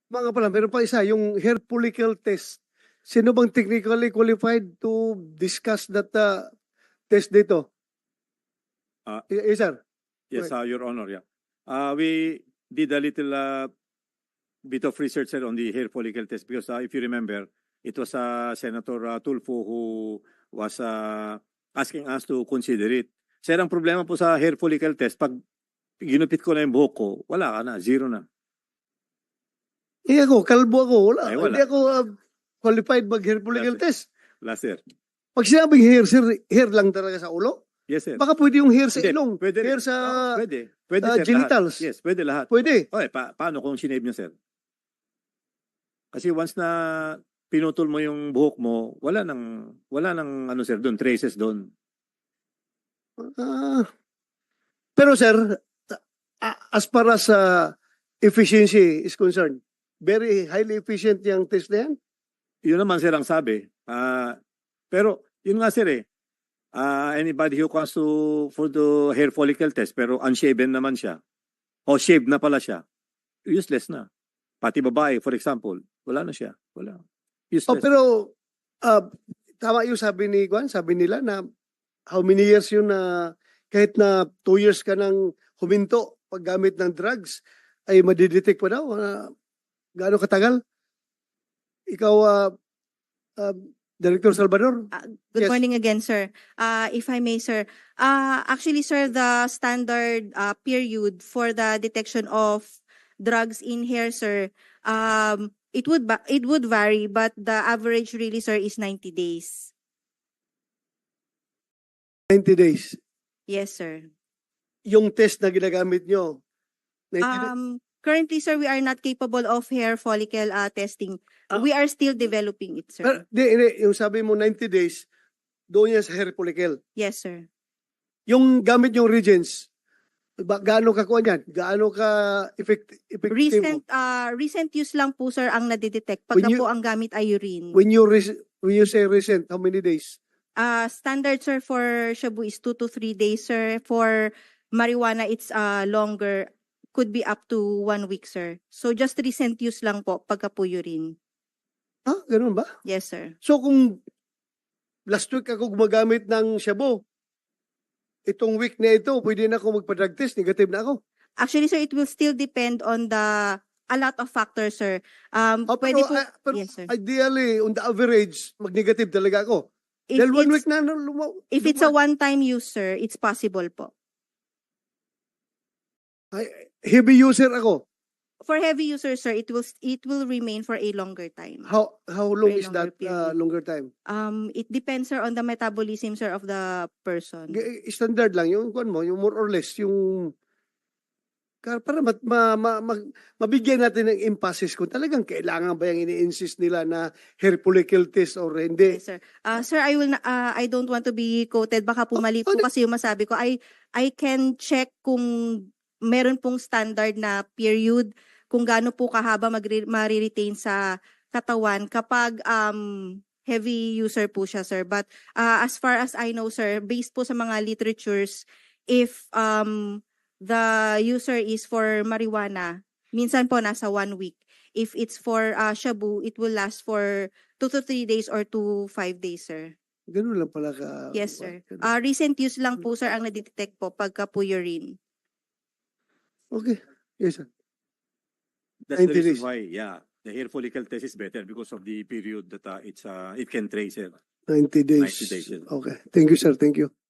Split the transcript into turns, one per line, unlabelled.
Mga pala, meron pa isa, yung hair follicle test. Sino bang technically qualified to discuss that test dito? Yes, sir.
Yes,
Right.
Your Honor, yeah. We did a little bit of research sir, on the hair follicle test because if you remember, it was Senator Tulfo who was asking us to consider it. Sir, ang problema po sa hair follicle test, pag ginupit ko na yung buhok ko, wala ka na, zero na.
Ako, kalbo ako. Wala.
Ay, wala.
Hindi ako qualified mag-hair follicle test.
Wala, sir.
Pag sinabing hair, sir, hair lang talaga sa ulo?
Yes, sir.
Baka pwede yung hair sa
Hindi,
ilong,
pwede rin.
hair sa
Pwede. Pwede, sir,
genitals.
lahat. Yes, pwede lahat.
Pwede.
Okay, paano kung sinave nyo, sir? Kasi once na pinutol mo yung buhok mo, wala nang ano, sir, doon, traces doon.
Pero sir, as far as efficiency is concerned, very highly efficient yung test na yan?
Yun naman, sir, ang sabi. Pero, yun nga, sir, anybody who comes for the hair follicle test, pero unshaven naman siya, o shaved na pala siya, useless na. Pati babae, for example, wala na siya. Wala. Useless.
Pero, tama yung sabi ni Juan, sabi nila na how many years yun na kahit na 2 years ka nang huminto paggamit ng drugs, ay madidetect pa daw. Gaano katagal? Ikaw, Director Salvador?
Good
Yes.
morning again, sir. If I may, sir. Actually, sir, the standard period for the detection of drugs in hair, sir, it would vary, but the average really, sir, is 90 days.
90 days.
Yes, sir.
Yung test na ginagamit nyo, 90 days?
Currently, sir, we are not capable of hair follicle testing.
Ah.
We are still developing it, sir.
Pero, hindi, yung sabi mo 90 days, doon yan sa hair follicle.
Yes, sir.
Yung gamit yung reagents, gaano ka kuha niyan? Gaano ka effective?
Recent use lang po, sir, ang nadidetect pagka po ang gamit ay urine.
When you say recent, how many days?
Standard, sir, for shabu is 2 to 3 days, sir. For marijuana, it's longer. Could be up to 1 week, sir. So just recent use lang po pagka po urine.
Ganun ba?
Yes, sir.
So kung last week ako gumagamit ng shabu, itong week na ito, pwede na ako magpa-drug test, negative na ako.
Actually, sir, it will still depend on a lot of factors, sir. Pwede po,
Pero
yes, sir.
ideally, on the average, mag-negative talaga ako. Dahil 1 week na,
if it's a one-time use, sir, it's possible po.
heavy user ako.
For heavy users, sir, it will remain for a longer time.
How long
For a
is that
longer period.
longer time?
It depends, sir, on the metabolism, sir, of the person.
Standard lang yung kuan mo, yung more or less yung para mabigyan natin ng emphasis kung talagang kailangan ba yung ini-insist nila na hair follicle test or hindi.
Yes, sir. Sir, I don't want to be quoted. Baka po mali po kasi yung masabi ko. I can check kung meron pong standard na period, kung gaano po kahaba ma-retain sa katawan kapag heavy user po siya, sir. But as far as I know, sir, based po sa mga literatures, if the user is for marijuana, minsan po nasa 1 week. If it's for shabu, it will last for 2 to 3 days or 2 to 5 days, sir.
Ganun lang pala ka.
Yes, sir. Recent use lang po, sir, ang nadetect po pagka po urine.
Okay. Yes, sir.
That's the
90
reason
days.
why, the hair follicle test is better because of the period that it can trace, sir.
90 days.
90 days, yes.
Okay. Thank you, sir. Thank you.